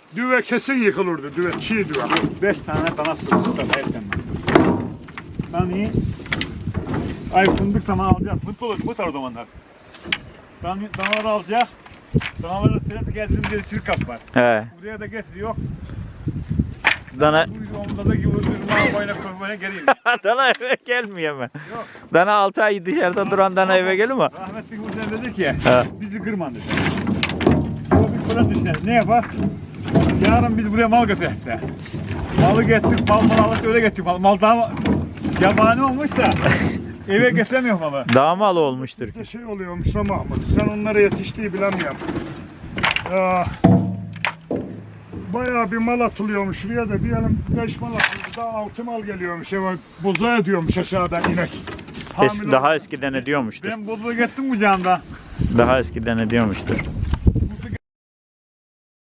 Düve kesin yıkılırdı. Düve, çiğ düve. 5 tane dana tuttuk da erken. Danayı ay fındık zaman alacağız. Mutlu olur bu tarz zamanlar. Danaları alacak. Danaları trende geldiğimde sirkap var. He. Buraya da getiriyor. Dana Bu omuzda da gibi durma boyuna koymaya geleyim. dana eve gelmiyor mu? Yok. Dana 6 ay dışarıda duran dana eve gelir mi? Rahmetli Hüseyin dedi ki He. bizi kırma dedi. O bir plan düşünelim. Ne yapar? Yarın biz buraya mal götürdük de. Malı getirdik, mal alırsa öyle getirdik. Mal daha yabani olmuş da eve getiremiyorum ama. Dağ malı olmuştur. Bir de şey oluyormuş da Mahmut. Sen onlara yetiştiği bilemiyorum. Ya, bayağı bir mal atılıyormuş. Şuraya da bir yerim 5 mal atıldı. Daha 6 mal geliyormuş. Boza ediyormuş aşağıdan inek. Hamile Daha eskiden ediyormuştur. Ben bozuluğa gittim kucağımda. Daha eskiden ediyormuştur.